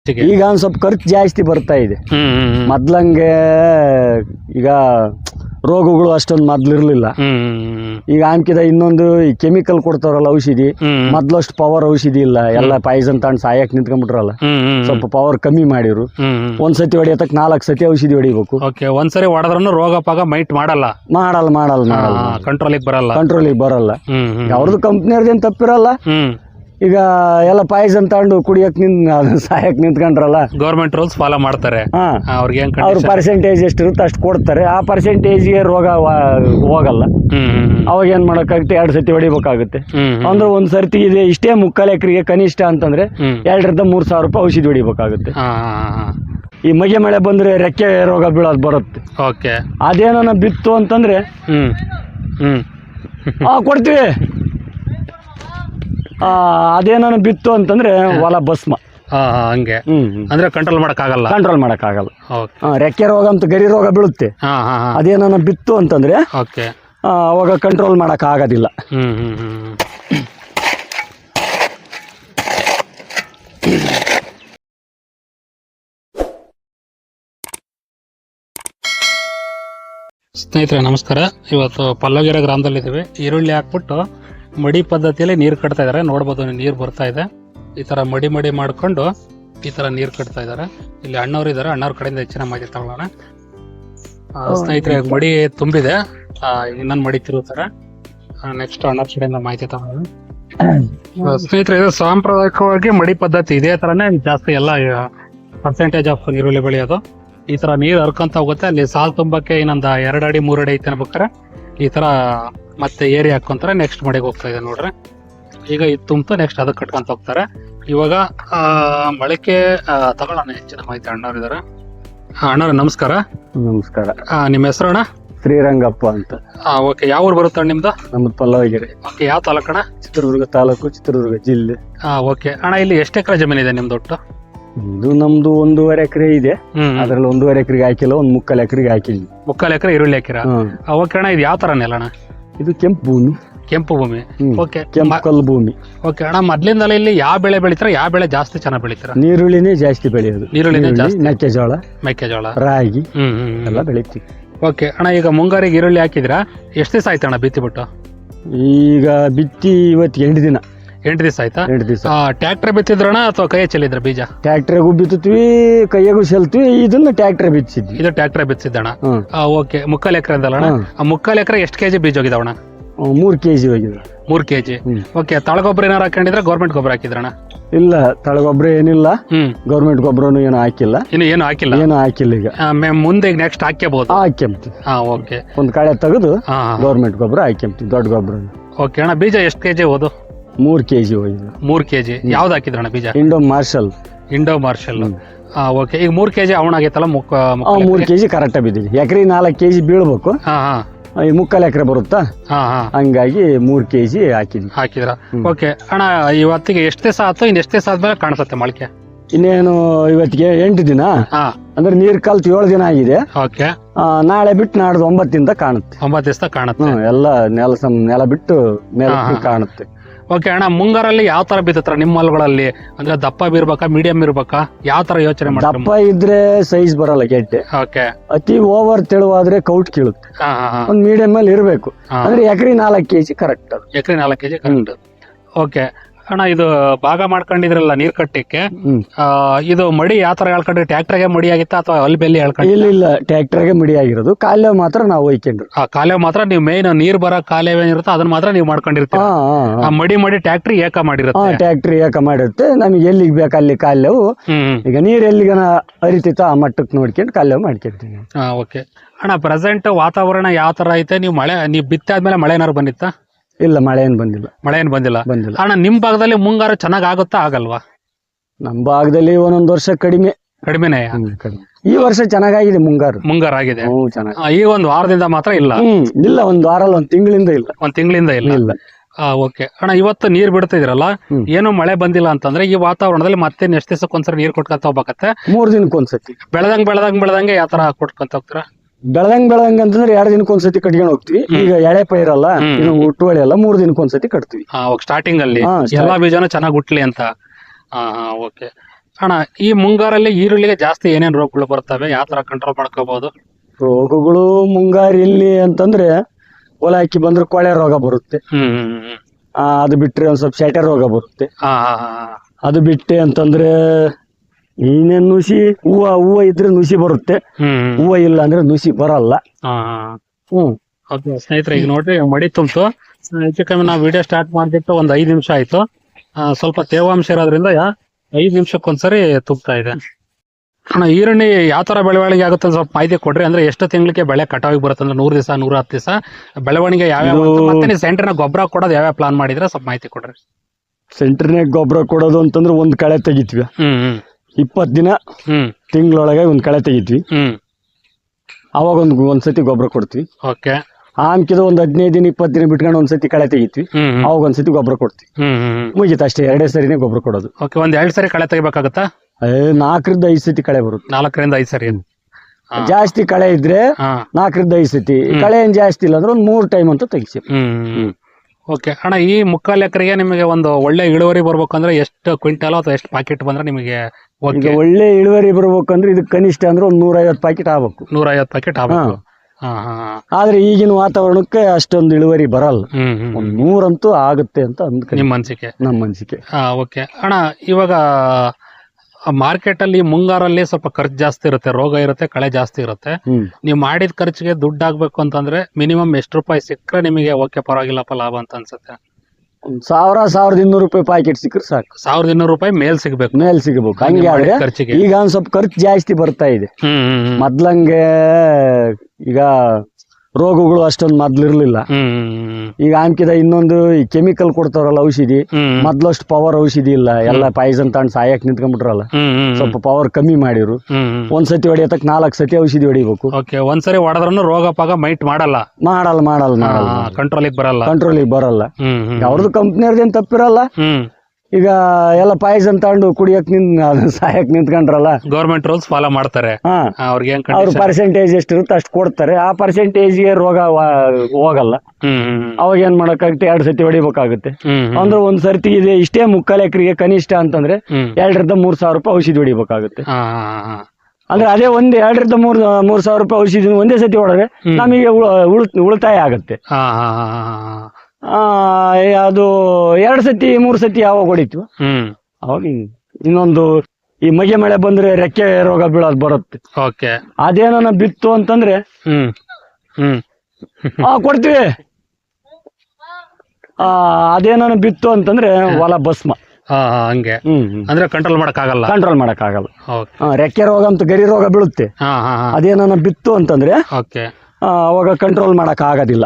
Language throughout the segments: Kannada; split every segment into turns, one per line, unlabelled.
ಈಗ ಒಂದ್ ಸ್ವಲ್ಪ ಖರ್ಚು ಜಾಸ್ತಿ ಬರ್ತಾ ಇದೆ. ಮೊದ್ಲಂಗೆ ಈಗ ರೋಗಗಳು ಅಷ್ಟೊಂದು ಮೊದ್ಲಿರ್ಲಿಲ್ಲ. ಈಗ ಆಮ್ಕಿದ ಇನ್ನೊಂದು ಕೆಮಿಕಲ್ ಕೊಡ್ತಾರಲ್ಲ ಔಷಧಿ, ಮೊದ್ಲಷ್ಟು ಪವರ್ ಔಷಧಿ ಇಲ್ಲ, ಎಲ್ಲ ಪಾಯ್ಸನ್ ತಗೊಂಡು ಸಾಯಕ್ ನಿಂತ್ಕೊಂಡ್ಬಿಟ್ರಲ್ಲ. ಸ್ವಲ್ಪ ಪವರ್ ಕಮ್ಮಿ ಮಾಡಿರು. ಒಂದ್ಸತಿ ಹೊಡಿಯತಕ್ 4 ಸತಿ ಔಷಧಿ ಹೊಡಿಬೇಕು.
ಒಂದ್ಸರಿ ಹೊಡೆದ್ರೂ ರೋಗ ಪಾಗ ಮೈಟ್ ಮಾಡಲ್ಲ ಕಂಟ್ರೋಲಿಗೆ
ಬರಲ್ಲ. ಅವ್ರದ್ದು ಕಂಪ್ನಿಯವ್ರದ್ದೇನು ತಪ್ಪಿರಲ್ಲ. ಈಗ ಎಲ್ಲ ಪಾಯ್ಸನ್ ತಗೊಂಡು ಕುಡಿಯಕ್ ಸಾಯಕ್ ನಿಂತ್ಕೊಂಡ್ರಲ್ಲ.
ಗೌರ್ಮೆಂಟ್ ರೂಲ್ಸ್ ಫಾಲೋ ಮಾಡ್ತಾರೆ.
ಅವ್ರ ಪರ್ಸೆಂಟೇಜ್ ಎಷ್ಟಿರುತ್ತೆ ಅಷ್ಟು ಕೊಡ್ತಾರೆ. ಆ ಪರ್ಸೆಂಟೇಜ್ಗೆ ರೋಗ ಹೋಗಲ್ಲ. ಅವಾಗ ಏನ್ ಮಾಡಕ್ಕಾಗುತ್ತೆ, 2 ಸತಿ ಹೊಡಿಬೇಕಾಗುತ್ತೆ. ಅಂದ್ರೆ ಒಂದ್ ಸರ್ತಿ ಇದೆ ಇಷ್ಟೇ 3/4 ಎಕರೆಗೆ ಕನಿಷ್ಠ ಅಂತಂದ್ರೆ 2,000 ರಿಂದ 3,000 ರೂಪಾಯಿ ಔಷಧಿ ಹೊಡಿಬೇಕಾಗುತ್ತೆ. ಈ ಮಳೆ ಬಂದ್ರೆ ರೆಕ್ಕೆ ರೋಗ ಬೀಳೋದು ಬರುತ್ತೆ. ಅದೇನ ಬಿತ್ತು ಅಂತಂದ್ರೆ ಕೊಡ್ತೀವಿ. ಅದೇನ ಬಿತ್ತು ಅಂತಂದ್ರೆ ಹೊಲ ಭಸ್ಮ.
ಹಂಗೆ ಅಂದ್ರೆ ಕಂಟ್ರೋಲ್ ಮಾಡಕ್ಕಾಗಲ್ಲ.
ರೆಕ್ಕೆ ರೋಗ ಅಂತ ಗರಿ ರೋಗ ಬೀಳುತ್ತೆ. ಅದೇನ ಬಿತ್ತು ಅಂತಂದ್ರೆ ಅವಾಗ ಕಂಟ್ರೋಲ್ ಮಾಡಕ್ ಆಗೋದಿಲ್ಲ.
ಸ್ನೇಹಿತರೆ ನಮಸ್ಕಾರ. ಇವತ್ತು ಪಲ್ಲವಗೆರೆ ಗ್ರಾಮದಲ್ಲಿದ್ದೀವಿ. ಈರುಳ್ಳಿ ಹಾಕ್ಬಿಟ್ಟು ಮಡಿ ಪದ್ಧತಿಯಲ್ಲಿ ನೀರು ಕಟ್ತಾ ಇದಾರೆ. ನೋಡ್ಬೋದು, ನೀರು ಬರ್ತಾ ಇದೆ. ಈ ತರ ಮಡಿ ಮಾಡ್ಕೊಂಡು ಈ ತರ ನೀರು ಕಟ್ತಾ ಇದಾರೆ. ಇಲ್ಲಿ ಅಣ್ಣವ್ರು ಇದಾರೆ, ಅಣ್ಣವ್ರ ಕಡೆಯಿಂದ ಹೆಚ್ಚಿನ ಮಾಹಿತಿ ತಗೊಳ್ಳೋಣ. ಸ್ನೇಹಿತರೆ ಮಡಿ ತುಂಬಿದೆ, ಇನ್ನೊಂದು ಮಡಿ ತಿರುಗುತ್ತಾರೆ. ನೆಕ್ಸ್ಟ್ ಅಣ್ಣವ್ರ ಕಡೆಯಿಂದ ಮಾಹಿತಿ ತಗೊಳ್ಳೋಣ. ಸ್ನೇಹಿತರೆ ಇದು ಸಾಂಪ್ರದಾಯಿಕವಾಗಿ ಮಡಿ ಪದ್ಧತಿ. ಇದೇ ತರನೇ ಜಾಸ್ತಿ ಎಲ್ಲ ಪರ್ಸೆಂಟೇಜ್ ಆಫ್ ಈರುಳ್ಳಿ ಬೆಳೆಯೋದು. ಈ ತರ ನೀರು ಹರ್ಕೊಂತ ಹೋಗುತ್ತೆ. ಅಲ್ಲಿ ಸಾಲ್ ತುಂಬಕ್ಕೆ ಇನ್ನೊಂದು 2 ಅಡಿ 3 ಅಡಿ ಐತೆ ಅನ್ಬೇಕಾರೆ ಈ ತರ ಮತ್ತೆ ಏರಿ ಹಾಕೊಂತಾರೆ. ನೆಕ್ಸ್ಟ್ ಮಡಿಗೆ ಹೋಗ್ತಾ ಇದೆ ನೋಡ್ರಿ. ಈಗ ಇದು ತುಂಬ್ತು, ನೆಕ್ಸ್ಟ್ ಅದಕ್ಕೆ ಕಟ್ಕೊಂತ ಹೋಗ್ತಾರೆ. ಇವಾಗ ಮೊಳಕೆ ತಗೊಳ್ಳೋಣ. ಹೆಚ್ಚಿನ ಮಾಹಿತಿ ಅಣ್ಣವ್ರು ಇದಾರೆ. ಅಣ್ಣವ್ರ ನಮಸ್ಕಾರ.
ನಮಸ್ಕಾರ.
ನಿಮ್ಮ ಹೆಸರು ಅಣ್ಣ?
ಶ್ರೀರಂಗಪ್ಪ ಅಂತ.
ಓಕೆ, ಯಾವ ಊರು ಬರುತ್ತೆ ನಿಮ್ದು?
ನಮ್ದು ಪಲ್ಲವಗೆರೆ.
ಓಕೆ, ಯಾವ ತಾಲೂಕಣ?
ಚಿತ್ರದುರ್ಗ ತಾಲೂಕು, ಚಿತ್ರದುರ್ಗ ಜಿಲ್ಲೆ.
ಓಕೆ ಅಣ್ಣ, ಇಲ್ಲಿ ಎಷ್ಟು ಎಕರೆ ಜಮೀನಿದೆ ನಿಮ್ದು ಒಟ್ಟು?
ಇದು ನಮ್ದು 1.5 ಎಕರೆ ಇದೆ. ಅದ್ರಲ್ಲಿ 1.5 ಎಕರೆಗೆ ಹಾಕಿಲ್ಲ, 3/4 ಎಕರೆಗೆ ಹಾಕಿದ್ವಿ.
3/4 ಎಕರೆ ಈರುಳ್ಳಿ ಹಾಕಿರ? ಓಕೆ ಅಣ್ಣ, ಇದು ಯಾವ ತರ ನೆಲ ಅಣ್ಣ?
ಇದು ಕೆಂಪು ಭೂಮಿ.
ಕೆಂಪು ಭೂಮಿ. ಓಕೆ,
ಕೆಂಪು ಕಲ್ಲು ಭೂಮಿ.
ಓಕೆ ಅಣ್ಣ, ಮೊದ್ಲಿಂದಲೇ ಇಲ್ಲಿ ಯಾವ ಬೆಳೆ ಬೆಳಿತಾರ? ಯಾವ ಬೆಳೆ ಜಾಸ್ತಿ ಚೆನ್ನಾಗಿ ಬೆಳಿತಾರ?
ನೀರುಳ್ಳಿನೇ ಜಾಸ್ತಿ ಬೆಳೆಯೋದು.
ನೀರುಳ್ಳಿನೇ ಜಾಸ್ತಿ.
ಮೆಕ್ಕೆಜೋಳ, ರಾಗಿ ಎಲ್ಲ ಬೆಳಿತೀವಿ.
ಓಕೆ ಅಣ್ಣ, ಈಗ ಮುಂಗಾರಿಗೆ ಈರುಳ್ಳಿ ಹಾಕಿದ್ರ ಎಷ್ಟು ದಿವಸ ಆಯ್ತು ಅಣ್ಣ ಬಿತ್ತಿ ಬಿಟ್ಟು?
ಈಗ ಬಿತ್ತಿ ಇವತ್ತು 8 ದಿನ.
8 ದಿವಸ ಆಯ್ತಾ?
8 ದಿವಸ.
ಟ್ರ್ಯಾಕ್ಟರ್ ಬಿತ್ತಿದ್ರಣ ಅಥವಾ ಕೈಯ ಚೆಲ್ಲಿದ್ರ ಬೀಜ?
ಟ್ರ್ಯಾಕ್ಟರ್ಗೂ ಬಿತ್ತುತ್ವಿ, ಕೈಯಾಗೂ ಚೆಲ್ತೀವಿ. ಇದನ್ನ ಟ್ರ್ಯಾಕ್ಟರ್ ಬಿತ್ತಿದ್ವಿ.
ಇದು ಟ್ರ್ಯಾಕ್ಟರ್ ಬಿತ್ತಿದ್ದಣ. ಓಕೆ, 3/4 ಎಕರೆ ಅಂದಲ್ಲ? 3/4 ಎಕರೆ ಎಷ್ಟು ಕೆಜಿ ಬೀಜ ಹೋಗಿದವಣ?
3 ಕೆಜಿ ಹೋಗಿದೆ.
3 ಕೆಜಿ. ಓಕೆ, ತಳಗೊಬ್ಬರ ಏನಾರು ಹಾಕೊಂಡಿದ್ರೆ ಗೌರ್ಮೆಂಟ್ ಗೊಬ್ಬರ ಹಾಕಿದ್ರಣ?
ಇಲ್ಲ, ತಳಗೊಬ್ಬರ ಏನಿಲ್ಲ, ಗೌರ್ಮೆಂಟ್ ಗೊಬ್ಬರನು ಏನು ಹಾಕಿಲ್ಲ.
ಇನ್ನು ಏನು ಹಾಕಿಲ್ಲ?
ಏನು ಹಾಕಿಲ್ಲ. ಈಗ
ಮುಂದೆ ನೆಕ್ಸ್ಟ್ ಹಾಕ್ಯಬಹುದು.
ಹಾಕ್ಯಂತೀವಿ.
ಓಕೆ,
ಒಂದ್ ಕಳೆ ತೆಗೆದು ಗೌರ್ಮೆಂಟ್ ಗೊಬ್ಬರ ಹಾಕ್ಯಂತೀವಿ, ದೊಡ್ಡ ಗೊಬ್ಬರ.
ಓಕೆ ಅಣ್ಣ, ಬೀಜ ಎಷ್ಟು ಕೆಜಿ ಹೋದು?
3 ಕೆಜಿ ಹೋಗಿದೆ.
3 ಕೆಜಿ. ಯಾವ್ದು ಹಾಕಿದ್ರಣ್ಣ ಬೀಜ?
Indo marshal.
ಓಕೆ, ಈಗ 3 ಕೆಜಿ ಅವಣ ಆಗೈತಲ್ಲ?
3 ಕೆಜಿ ಕರೆಕ್ಟ್ ಬಿದ್ದಿದೆ. ಎಕರೆ 4 ಕೆಜಿ ಬೀಳ್ಬೇಕು. ಈ 3/4 ಎಕರೆ ಬರುತ್ತಾ, ಹಂಗಾಗಿ 3 ಕೆಜಿ ಹಾಕಿದ್ರ.
ಓಕೆ ಅಣ್ಣ, ಇವತ್ತಿಗೆ ಎಷ್ಟು ದಿವಸ ಆಯ್ತು? ಇನ್ನು ಎಷ್ಟು ದಿವಸ ಆದ್ಮೇಲೆ ಕಾಣಿಸುತ್ತೆ ಮೊಳಕೆ?
ಇನ್ನೇನು ಇವತ್ತಿಗೆ 8 ದಿನ. ಅಂದ್ರೆ ನೀರ್ ಕಲ್ತು 7 ದಿನ ಆಗಿದೆ.
ಓಕೆ,
ನಾಳೆ ಬಿಟ್ಟು ನಾಡ್ದು 9 ದಿನ ಕಾಣುತ್ತೆ.
9 ದಿವಸ ಕಾಣುತ್ತೆ.
ಎಲ್ಲ ನೆಲ ಬಿಟ್ಟು ಕಾಣುತ್ತೆ.
ಓಕೆ ಅಣ್ಣ, ಮುಂಗಾರಲ್ಲಿ ಯಾವ ತರ ಬಿತ್ತತ್ರ ನಿಮ್ಮ ಹೊಲಗಳಲ್ಲಿ? ಅಂದ್ರೆ ದಪ್ಪ ಬಿರ್ಬೇಕಾ, ಮೀಡಿಯಂ ಇರ್ಬೇಕಾ? ಯಾವ ತರ ಯೋಚನೆ ಮಾಡ್ತಾರೆ?
ದಪ್ಪ ಇದ್ರೆ ಸೈಜ್ ಬರಲ್ಲ ಗೆಡ್ಡೆ.
ಓಕೆ,
ಅತಿ ಓವರ್ ತೆಳುವಾದ್ರೆ ಕೌಟ್ ಕೀಳುತ್ತೆ. ಒಂದ್ ಮೀಡಿಯಂ ಅಲ್ಲಿ ಇರ್ಬೇಕು. ಅಂದ್ರೆ ಎಕರೆ 4 ಕೆಜಿ ಕರೆಕ್ಟ್.
ಎಕರೆ 4 ಕೆಜಿ ಕರೆಕ್ಟ್. ಓಕೆ ಅಣ್ಣ, ಇದು ಭಾಗ ಮಾಡ್ಕೊಂಡಿದ್ರಲ್ಲ ನೀರ್ ಕಟ್ಟಿಕ್ಕೆ, ಇದು ಮಡಿ ಯಾವ ತರ ಹೇಳ್ಕೊಂಡ್ರಿ? ಟ್ರ್ಯಾಕ್ಟರ್ಗೆ ಮಡಿ ಆಗಿತ್ತಾ ಅಥವಾ ಅಲ್ಲಿ ಬೆಲ್ಲಿ ಹೇಳ್ಕೊಂಡ್ರಿ?
ಇಲ್ಲ, ಟ್ರ್ಯಾಕ್ಟರ್ಗೆ ಮಡಿ ಆಗಿರೋದು. ಕಾಲೇ ಮಾತ್ರ ನಾವು ಒಯ್ಕೊಂಡ್ರು.
ಕಾಲೇ ಮಾತ್ರ ನೀವು ಮೇನ್ ನೀರ್ ಬರೋ ಕಾಲೇ ಏನಿರುತ್ತೋ ಅದನ್ನ ಮಾತ್ರ ನೀವು ಮಾಡ್ಕೊಂಡಿರ್ತೀವಿ. ಮಡಿ ಟ್ರ್ಯಾಕ್ಟರ್ ಏಕ ಮಾಡಿರುತ್ತೆ.
ಟ್ರ್ಯಾಕ್ಟರ್ ಏಕ ಮಾಡಿರುತ್ತೆ. ನಮಗೆ ಎಲ್ಲಿಗೆ ಬೇಕು ಅಲ್ಲಿ ಕಾಲೆವು. ಈಗ ನೀರ್ ಎಲ್ಲಿಗನ ಹರಿತಿತ್ತು ಆ ಮಟ್ಟಕ್ಕೆ ನೋಡ್ಕೊಂಡು ಕಾಲೆವು ಮಾಡ್ಕೊಳ್ತೀವಿ.
ಓಕೆ ಅಣ್ಣ, ಪ್ರೆಸೆಂಟ್ ವಾತಾವರಣ ಯಾವ ತರ ಐತೆ? ನೀವು ಬಿತ್ತಾದ್ಮೇಲೆ ಮಳೆ ಏನಾರು ಬಂದಿತ್ತಾ?
ಇಲ್ಲ, ಮಳೆ ಏನ್ ಬಂದಿಲ್ಲ.
ಬಂದಿಲ್ಲ. ಅಣ್ಣ, ನಿಮ್ ಭಾಗದಲ್ಲಿ ಮುಂಗಾರು ಚೆನ್ನಾಗ್ ಆಗುತ್ತಾ ಆಗಲ್ವಾ?
ನಮ್ ಭಾಗದಲ್ಲಿ ಒಂದೊಂದು ವರ್ಷ ಕಡಿಮೆನೇ. ಈ ವರ್ಷ ಚೆನ್ನಾಗಿದೆ. ಮುಂಗಾರು ಆಗಿದೆ. ಈಗ ಒಂದ್ ವಾರದಿಂದ ಮಾತ್ರ ಇಲ್ಲ. ಒಂದ್ ವಾರ ಅಲ್ಲ, ಒಂದ್ ತಿಂಗಳಿಂದ ಇಲ್ಲ.
ಓಕೆ ಅಣ್ಣ, ಇವತ್ತು ನೀರ್ ಬಿಡ್ತಿದ್ರಲ್ಲ, ಏನು ಮಳೆ ಬಂದಿಲ್ಲ ಅಂತಂದ್ರೆ ಈ ವಾತಾವರಣದಲ್ಲಿ ಮತ್ತೆ ಎಷ್ಟು ದಿವಸಕ್ಕೊಂದ್ಸರಿ ನೀರ್ ಕೊಟ್ಕೊಂತ ಹೋಗ್ಬೇಕತ್ತೆ?
3 ದಿನಕ್ಕೊಂದ್ಸತಿ.
ಬೆಳೆದಂಗೆ ಯಾವ ತರ ಕೊಟ್ಕೊಂತ ಹೋಗ್ತಾರ?
ಬೆಳದಂಗ್ ಅಂತಂದ್ರೆ 2 ದಿನಕ್ಕೊಂದ್ಸತಿ ಕಟ್ಕೊಂಡು ಹೋಗ್ತಿವಿ. ಈಗ ಎಳೆ ಪೈರಲ್ಲ, ಇನ್ನು ಹುಟ್ಟುವಳಿ ಎಲ್ಲ 3 ದಿನಕ್ಕೊಂದ್ಸತಿ ಕಟ್ತೀವಿ.
ಸ್ಟಾರ್ಟಿಂಗ್ ಅಲ್ಲಿ ಎಲ್ಲಾ ಬೀಜನೂ ಚೆನ್ನಾಗಿ ಹುಟ್ಲಿ ಅಂತ. ಓಕೆ ಅಣ್ಣ ಈ ಮುಂಗಾರಲ್ಲಿ ಈರುಳ್ಳಿಗೆ ಜಾಸ್ತಿ ಏನೇನ್ ರೋಗಗಳು ಬರ್ತವೆ, ಯಾವ ತರ ಕಂಟ್ರೋಲ್ ಮಾಡ್ಕೋಬಹುದು?
ರೋಗಗಳು ಮುಂಗಾರಿಯಲ್ಲಿ ಅಂತಂದ್ರೆ ಹೊಲ ಹಾಕಿ ಬಂದ್ರೆ ಕೊಳೆ ರೋಗ ಬರುತ್ತೆ. ಅದು ಬಿಟ್ರೆ ಒಂದ್ ಸ್ವಲ್ಪ ಸೆಟೆ ರೋಗ ಬರುತ್ತೆ. ಅದು ಬಿಟ್ಟೆ ಅಂತಂದ್ರೆ ಇನ್ನೇನ್ ನುಸಿ, ಹೂವ ಇದ್ರೆ ನುಸಿ ಬರುತ್ತೆ. ಹೂವ ಇಲ್ಲ ಅಂದ್ರೆ ನುಸಿ ಬರಲ್ಲ.
ಸ್ನೇಹಿತರೆ, ಈಗ ನೋಡ್ರಿ ಮಡಿ ತುಂಬಿತು. ಹೆಚ್ಚು ಕಮ್ಮಿ ನಾವು ವಿಡಿಯೋ ಸ್ಟಾರ್ಟ್ ಮಾಡ್ಬಿಟ್ಟು ಒಂದ್ 5 ನಿಮಿಷ ಆಯ್ತು. ಸ್ವಲ್ಪ ತೇವಾಂಶ ಇರೋದ್ರಿಂದ 5 ನಿಮಿಷಕ್ಕೊಂದ್ಸರಿ ತುಂಬ್ತಾ ಇದೆ. ಅಣ್ಣ, ಈರುಳ್ಳಿ ಯಾವ ತರ ಬೆಳವಣಿಗೆ ಆಗುತ್ತೆ ಸ್ವಲ್ಪ ಮಾಹಿತಿ ಕೊಡ್ರಿ. ಅಂದ್ರೆ ಎಷ್ಟು ತಿಂಗಳಿಗೆ ಬೆಳೆ ಕಟಾವಿಗೆ ಬರುತ್ತೆ? ಅಂದ್ರೆ 100 ದಿವಸ, 110 ದಿವಸ ಬೆಳವಣಿಗೆ ಯಾವ್ಯಾವ, ಮತ್ತೆ ನೀವು ಸೆಂಟರ್ನ ಗೊಬ್ಬರ ಕೊಡೋದು ಯಾವ್ಯಾವ ಪ್ಲಾನ್ ಮಾಡಿದ್ರೆ ಸ್ವಲ್ಪ ಮಾಹಿತಿ ಕೊಡ್ರಿ.
ಸೆಂಟರ್ನಾಗ ಗೊಬ್ಬರ ಕೊಡೋದು ಅಂತಂದ್ರೆ ಒಂದ್ ಕಳೆ ತೆಗಿತ್ವಿ. 20 ದಿನ ತಿಂಗಳೊಳಗೆ ಒಂದ್ ಕಳೆ ತೆಗಿತ್ವಿ. ಅವಾಗ ಒಂದ್ಸತಿ ಗೊಬ್ಬರ ಕೊಡ್ತೀವಿ.
ಓಕೆ.
ಆಮ್ಕಿದ ಒಂದ್ 15 ದಿನ 20 ದಿನ ಬಿಟ್ಕೊಂಡು ಒಂದ್ಸತಿ ಕಳೆ ತೆಗಿತ್ವಿ. ಅವಾಗ ಒಂದ್ಸತಿ ಗೊಬ್ಬರ ಕೊಡ್ತೀವಿ. ಮುಗೀತು ಅಷ್ಟೇ, 2 ಸರಿನೇ ಗೊಬ್ಬರ ಕೊಡೋದು.
ಓಕೆ. ಒಂದ್ 2 ಸರಿ ಕಳೆ ತೆಗಿಬೇಕಾಗತ್ತಾ?
4 ರಿಂದ 5 ಸತಿ ಕಳೆ ಬರುತ್ತೆ.
4 ರಿಂದ 5 ಸರಿ.
ಜಾಸ್ತಿ ಕಳೆ ಇದ್ರೆ 4 ರಿಂದ 5 ಸತಿ, ಕಳೆ ಏನ್ ಜಾಸ್ತಿ ಇಲ್ಲ ಅಂದ್ರೆ ಒಂದ್ 3 ಟೈಮ್ ಅಂತ ತೆಗಿಸಿ.
ಓಕೆ ಅಣ್ಣ, ಈ 3/4 ಎಕರೆಗೆ ನಿಮಗೆ ಒಂದು ಒಳ್ಳೆ ಇಳುವರಿ ಬರ್ಬೇಕಂದ್ರೆ ಎಷ್ಟು ಕ್ವಿಂಟಲ್ ಅಥವಾ ಎಷ್ಟು ಪ್ಯಾಕೆಟ್ ಬಂದ್ರೆ ನಿಮಗೆ
ಒಳ್ಳೆ ಇಳುವರಿ ಬರ್ಬೇಕಂದ್ರೆ ಇದಕ್ಕೆ ಕನಿಷ್ಠ ಅಂದ್ರೆ ಒಂದ್ 150 ಪ್ಯಾಕೆಟ್ ಆಗ್ಬೇಕು.
150 ಪ್ಯಾಕೆಟ್ ಆಗ್ಬೇಕು.
ಆದ್ರೆ ಈಗಿನ ವಾತಾವರಣಕ್ಕೆ ಅಷ್ಟೊಂದು ಇಳುವರಿ ಬರಲ್ಲ. ಒಂದ್ 100 ಅಂತೂ ಆಗುತ್ತೆ ಅಂತ
ನಿಮ್ಮ ಅನ್ಸಿಕೆ?
ನಮ್ಮ ಅನ್ಸಿಕೆ.
ಓಕೆ ಅಣ್ಣ, ಇವಾಗ ಮಾರ್ಕೆಟ್ ಅಲ್ಲಿ ಮುಂಗಾರಲ್ಲಿ ಸ್ವಲ್ಪ ಖರ್ಚು ಜಾಸ್ತಿ ಇರುತ್ತೆ, ರೋಗ ಇರುತ್ತೆ, ಕಳೆ ಜಾಸ್ತಿ ಇರುತ್ತೆ. ನೀವು ಮಾಡಿದ ಖರ್ಚಿಗೆ ದುಡ್ಡು ಆಗ್ಬೇಕು ಅಂತಂದ್ರೆ ಮಿನಿಮಮ್ ಎಷ್ಟು ರೂಪಾಯಿ ಸಿಕ್ಕರೆ ನಿಮಗೆ ಓಕೆ ಪರವಾಗಿಲ್ಲಪ್ಪ ಲಾಭ ಅಂತ ಅನ್ಸುತ್ತೆ?
1,200 ರೂಪಾಯಿ ಪ್ಯಾಕೆಟ್ ಸಿಕ್ಕರೆ ಸಾಕು.
1,200 ರೂಪಾಯಿ ಮೇಲ್ ಸಿಗ್ಬೇಕು.
ಹಂಗೆ ಆದ್ರೆ ಖರ್ಚಿಗೆ ಈಗ ಒಂದ್ ಸ್ವಲ್ಪ ಖರ್ಚು ಜಾಸ್ತಿ ಬರ್ತಾ ಇದೆ. ಮೊದ್ಲಂಗೆ ಈಗ ರೋಗಗಳು ಅಷ್ಟೊಂದು ಮೊದ್ಲಿರ್ಲಿಲ್ಲ. ಈಗ ಆಮ್ಕಿದ ಇನ್ನೊಂದು ಈ ಕೆಮಿಕಲ್ ಕೊಡ್ತಾರಲ್ಲ ಔಷಧಿ, ಮೊದ್ಲಷ್ಟು ಪವರ್ ಔಷಧಿ ಇಲ್ಲ, ಎಲ್ಲ ಪಾಯ್ಸನ್ ತಗೊಂಡ್ ಸಾಯಕ್ ನಿಂತ್ಕೊಂಡ್ಬಿಟ್ರಲ್ಲ. ಸ್ವಲ್ಪ ಪವರ್ ಕಮ್ಮಿ ಮಾಡಿರು. ಒಂದ್ಸತಿ ಹೊಡಿಯತಕ್ 4 ಸತಿ ಔಷಧಿ ಹೊಡಿಬೇಕು.
ಒಂದ್ಸರಿ ಹೊಡೆದ್ರೂ ರೋಗ ಪಾಗ ಮೈಟ್ ಮಾಡಲ್ಲ. ಕಂಟ್ರೋಲಿಗೆ ಬರಲ್ಲ. ಅವ್ರದ್ದು ಕಂಪ್ನಿಯವ್ರದೇನ್ ತಪ್ಪಿರಲ್ಲ. ಈಗ ಎಲ್ಲ ಪಾಯ್ಸನ್ ತಗೊಂಡು ಕುಡಿಯಕ್ ಸಾಯಕ್ ನಿಂತ್ಕೊಂಡ್ರಲ್ಲ. ಗೌರ್ಮೆಂಟ್ ರೂಲ್ಸ್ ಫಾಲೋ ಮಾಡ್ತಾರೆ.
ಅವ್ರ ಪರ್ಸೆಂಟೇಜ್ ಎಷ್ಟಿರುತ್ತೆ ಅಷ್ಟು ಕೊಡ್ತಾರೆ. ಆ ಪರ್ಸೆಂಟೇಜ್ಗೆ ರೋಗ ಹೋಗಲ್ಲ. ಅವಾಗ ಏನ್ ಮಾಡಕ್ಕಾಗುತ್ತೆ, 2 ಸತಿ ಹೊಡಿಬೇಕಾಗುತ್ತೆ. ಅಂದ್ರೆ ಒಂದ್ ಸರ್ತಿ ಇದೆ ಇಷ್ಟೇ 3/4 ಎಕರೆಗೆ ಕನಿಷ್ಠ ಅಂತಂದ್ರೆ 2 ರಿಂದ 3 ಸಾವಿರ ರೂಪಾಯಿ ಔಷಧಿ ಹೊಡಿಬೇಕಾಗುತ್ತೆ. ಅಂದ್ರೆ ಅದೇ 2 ರಿಂದ 3 ಸಾವಿರ ರೂಪಾಯಿ ಔಷಧಿ ಒಂದೇ ಸತಿ ಹೊಡೆದ್ರೆ ನಮಗೆ ಉಳಿತಾಯ ಆಗುತ್ತೆ. ಅದು 2 ಸತಿ 3 ಸತಿ ಯಾವಾಗ ಹೊಡಿತೀವಿ ಅವಾಗ ಇನ್ನೊಂದು ಈ ಮಳೆ ಬಂದ್ರೆ ರೆಕ್ಕೆ ರೋಗ ಬೀಳೋದು ಬರುತ್ತೆ. ಅದೇನ ಬಿತ್ತು ಅಂತಂದ್ರೆ ಕೊಡ್ತೀವಿ. ಅದೇನ ಬಿತ್ತು ಅಂತಂದ್ರೆ ಹೊಲ ಭಸ್ಮ.
ಹಂಗೆ ಅಂದ್ರೆ ಕಂಟ್ರೋಲ್ ಮಾಡಕ್ಕಾಗಲ್ಲ.
ರೆಕ್ಕೆ ರೋಗ ಅಂತ ಗರಿ ರೋಗ ಬೀಳುತ್ತೆ. ಅದೇನ ಬಿತ್ತು ಅಂತಂದ್ರೆ ಅವಾಗ ಕಂಟ್ರೋಲ್ ಮಾಡಕ್ ಆಗೋದಿಲ್ಲ.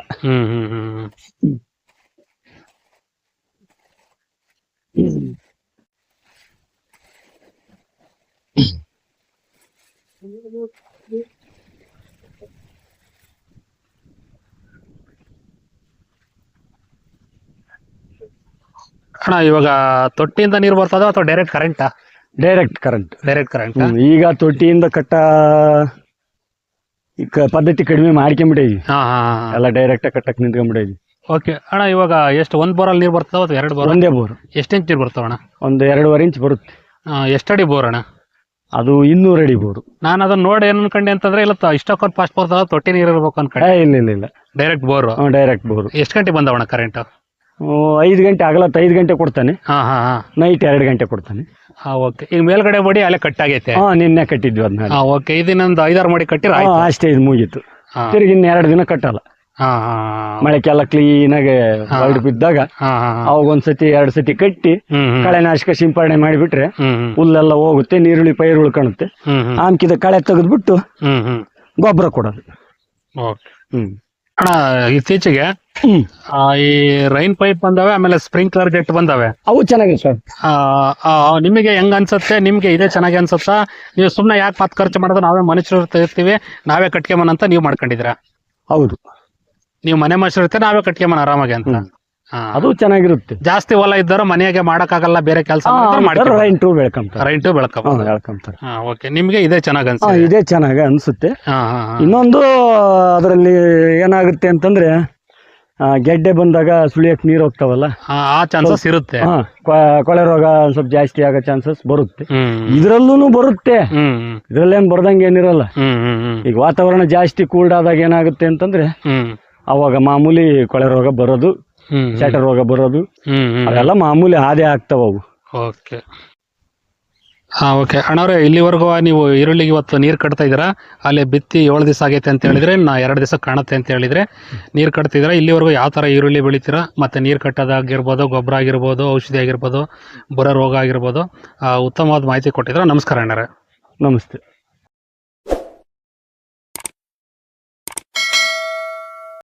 ಅಣ್ಣ, ಇವಾಗ ತೊಟ್ಟಿಯಿಂದ ನೀರು ಬರ್ತದ ಅಥವಾ ಡೈರೆಕ್ಟ್ ಕರೆಂಟಾ?
Direct current. ಈಗ ತೊಟ್ಟಿಯಿಂದ ಪದ್ಧತಿ ಕಡಿಮೆ ಮಾಡ್ಕೊಂಡ್ಬಿಟ್ಟಿದ್ವಿ. ಎಲ್ಲ ಡೈರೆಕ್ಟ್ ಕಟ್ಟಕ್ ನಿಂತ್ಕೊಂಡ್ಬಿಟ್ಟಿದ್ವಿ.
ಓಕೆ ಅಣ್ಣ, ಇವಾಗ ಎಷ್ಟು ಒಂದ್ ಬೋರಲ್ಲಿ ನೀರು ಬರ್ತದ ಅಥವಾ 2 ಬೋರ್?
ಒಂದೇ ಬೋರ್.
ಎಷ್ಟು ಇಂಚ್ ನೀರು ಬರ್ತಾವ ಅಣ್ಣ?
ಒಂದು 2.5 ಇಂಚ್ ಬರುತ್ತೆ.
ಎಷ್ಟಡಿ ಬೋರ್ ಅಣ್ಣ?
ಅದು 200 ಅಡಿ ಬೋರು.
ನಾನು ಅದನ್ನ ನೋಡಿ ಏನ್ ಅನ್ಕೊಂಡೆ ಅಂತಂದ್ರೆ ಇಲ್ಲ ಇಷ್ಟಕ್ಕೊಂದು ಫಾಸ್ಟ್ ಬರ್ತದ, ತೊಟ್ಟಿ ನೀರು ಇರ್ಬೇಕು ಅನ್ಕೊಂಡೆ.
ಇಲ್ಲ
ಡೈರೆಕ್ಟ್ ಬೋರ್. ಎಷ್ಟು ಗಂಟೆ ಬಂದವಣ್ಣ ಕರೆಂಟ್?
5 ಗಂಟೆ ಆಗಲತ್ತ 5 ಗಂಟೆ ಕೊಡ್ತಾನೆ. ನೈಟ್ 2 ಗಂಟೆ ಕೊಡ್ತಾನೆ.
ಓಕೆ. ಈಗ ಮೇಲ್ಗಡೆ ಬಡಿ ಅಲ್ಲೇ ಕಟ್ ಆಗೈತೆ?
ನಿನ್ನೆ ಕಟ್ಟಿದ್ವಿ ಅದನ್ನ.
ಓಕೆ. ಇದನ್ನೊಂದು 5-6 ಮಾಡಿ ಕಟ್ಟಿರ
ಅಷ್ಟೇ, ಇದು ಮುಗೀತು. ತಿರುಗಿ ಇನ್ನು 2 ದಿನ ಕಟ್ಟಲ್ಲ. ಮಳೆಕೆಲ್ಲ ಕ್ಲೀನ್ ಆಗಿ ಹೊರಡು ಬಿದ್ದಾಗ ಅವಾಗ ಒಂದ್ಸತಿ 2 ಸತಿ ಕಟ್ಟಿ ಕಳೆನಾಶಕ ಸಿಂಪರಣೆ ಮಾಡಿಬಿಟ್ರೆ ಹುಲ್ಲೆಲ್ಲ ಹೋಗುತ್ತೆ, ನೀರುಳ್ಳಿ ಪೈರು ಉಳ್ಕೊಳುತ್ತೆ. ಆಮ್ಕಿದ ಕಳೆ ತೆಗೆದ್ಬಿಟ್ಟು ಗೊಬ್ಬರ ಕೊಡೋದು.
ಅಣ್ಣ, ಇತ್ತೀಚೆಗೆ ಈ ರೈನ್ ಪೈಪ್ ಬಂದಾವೆ, ಆಮೇಲೆ ಸ್ಪ್ರಿಂಕ್ಲರ್ ಜೆಟ್ ಬಂದಾವೆ.
ಅವು ಚೆನ್ನಾಗಿದೆ ಸರ್.
ನಿಮಗೆ ಹೆಂಗ್ ಅನ್ಸುತ್ತೆ? ನಿಮ್ಗೆ ಇದೇ ಚೆನ್ನಾಗಿ ಅನ್ಸುತ್ತಾ? ನೀವು ಸುಮ್ನೆ ಯಾಕೆ ಮತ್ತೆ ಖರ್ಚು ಮಾಡೋದು, ನಾವೇ ಮನುಷ್ಯರು ತೆಗಿರ್ತೀವಿ, ನಾವೇ ಕಟ್ಕೆಮನ್ ಅಂತ ನೀವು ಮಾಡ್ಕೊಂಡಿದ್ದೀರಾ?
ಹೌದು,
ನೀವು ಮನೆ ಮನುಷ್ಯರು ಇರ್ತೀರ, ನಾವೇ ಕಟ್ಕೆಮನ್ ಆರಾಮಾಗಿ ಅಂತ.
ಅದು ಚೆನ್ನಾಗಿರುತ್ತೆ.
ಜಾಸ್ತಿ ಹೊಲ ಇದ್ದರು ಮನೆಯಾಗೆ ಮಾಡಕ್ಕಾಗಲ್ಲ, ಬೇರೆ ಕೆಲಸ
ರೈಂಟು ಬೆಳ್ಕೊಂತಾರೆ.
ಓಕೆ. ನಿಮ್ಗೆ ಇದೇ ಚೆನ್ನಾಗಿ ಅನ್ಸುತ್ತೆ?
ಇದೇ ಚೆನ್ನಾಗಿ ಅನ್ಸುತ್ತೆ. ಇನ್ನೊಂದು ಅದರಲ್ಲಿ ಏನಾಗುತ್ತೆ ಅಂತಂದ್ರೆ ಗೆಡ್ಡೆ ಬಂದಾಗ ಸುಳಿಯಕ್ಕೆ ನೀರು ಹೋಗ್ತಾವಲ್ಲ,
ಆ ಚಾನ್ಸಸ್ ಇರುತ್ತೆ.
ಕೊಳೆ ರೋಗ ಒಂದ್ ಸ್ವಲ್ಪ ಜಾಸ್ತಿ ಆಗೋ ಚಾನ್ಸಸ್ ಬರುತ್ತೆ.
ಹ್ಮ್
ಇದ್ರಲ್ಲೂ ಬರುತ್ತೆ,
ಹ್ಮ್
ಇದ್ರಲ್ಲೇನ್ ಬರ್ದಂಗೆ ಏನಿರಲ್ಲ.
ಹ್ಮ್ ಹ್ಮ್ ಹ್ಮ್
ಈಗ ವಾತಾವರಣ ಜಾಸ್ತಿ ಕೂಲ್ಡ್ ಆದಾಗ ಏನಾಗುತ್ತೆ ಅಂತಂದ್ರೆ
ಹ್ಮ್
ಅವಾಗ ಮಾಮೂಲಿ ಕೊಳೆ ರೋಗ ಬರೋದು,
ಹ್ಮ್
ಚಟ ರೋಗ ಬರೋದು,
ಹ್ಮ್ ಹ್ಮ್
ಅವೆಲ್ಲ ಮಾಮೂಲಿ ಹಾದೇ ಆಗ್ತಾವ ಅವು.
ಓಕೆ. ಓಕೆ ಅಣ್ಣವ್ರೆ, ಇಲ್ಲಿವರೆಗೂ ನೀವು ಈರುಳ್ಳಿಗೆ ಇವತ್ತು ನೀರು ಕಟ್ತಾ ಇದ್ದೀರಾ. ಅಲ್ಲಿ ಬಿತ್ತಿ 7 ದಿವಸ ಆಗೈತೆ ಅಂತ ಹೇಳಿದ್ರೆ, 2 ದಿವಸ ಕಾಣುತ್ತೆ ಅಂತ ಹೇಳಿದ್ರೆ ನೀರು ಕಟ್ತಿದ್ದೀರಾ. ಇಲ್ಲಿವರೆಗೂ ಯಾವ ಥರ ಈರುಳ್ಳಿ ಬೆಳಿತೀರಾ, ಮತ್ತು ನೀರು ಕಟ್ಟೋದಾಗಿರ್ಬೋದು, ಗೊಬ್ಬರ ಆಗಿರ್ಬೋದು, ಔಷಧಿ ಆಗಿರ್ಬೋದು, ಬರೋ ರೋಗ ಆಗಿರ್ಬೋದು, ಉತ್ತಮವಾದ ಮಾಹಿತಿ ಕೊಟ್ಟಿದ್ದೀರಾ. ನಮಸ್ಕಾರ ಅಣ್ಣರೇ.
ನಮಸ್ತೆ.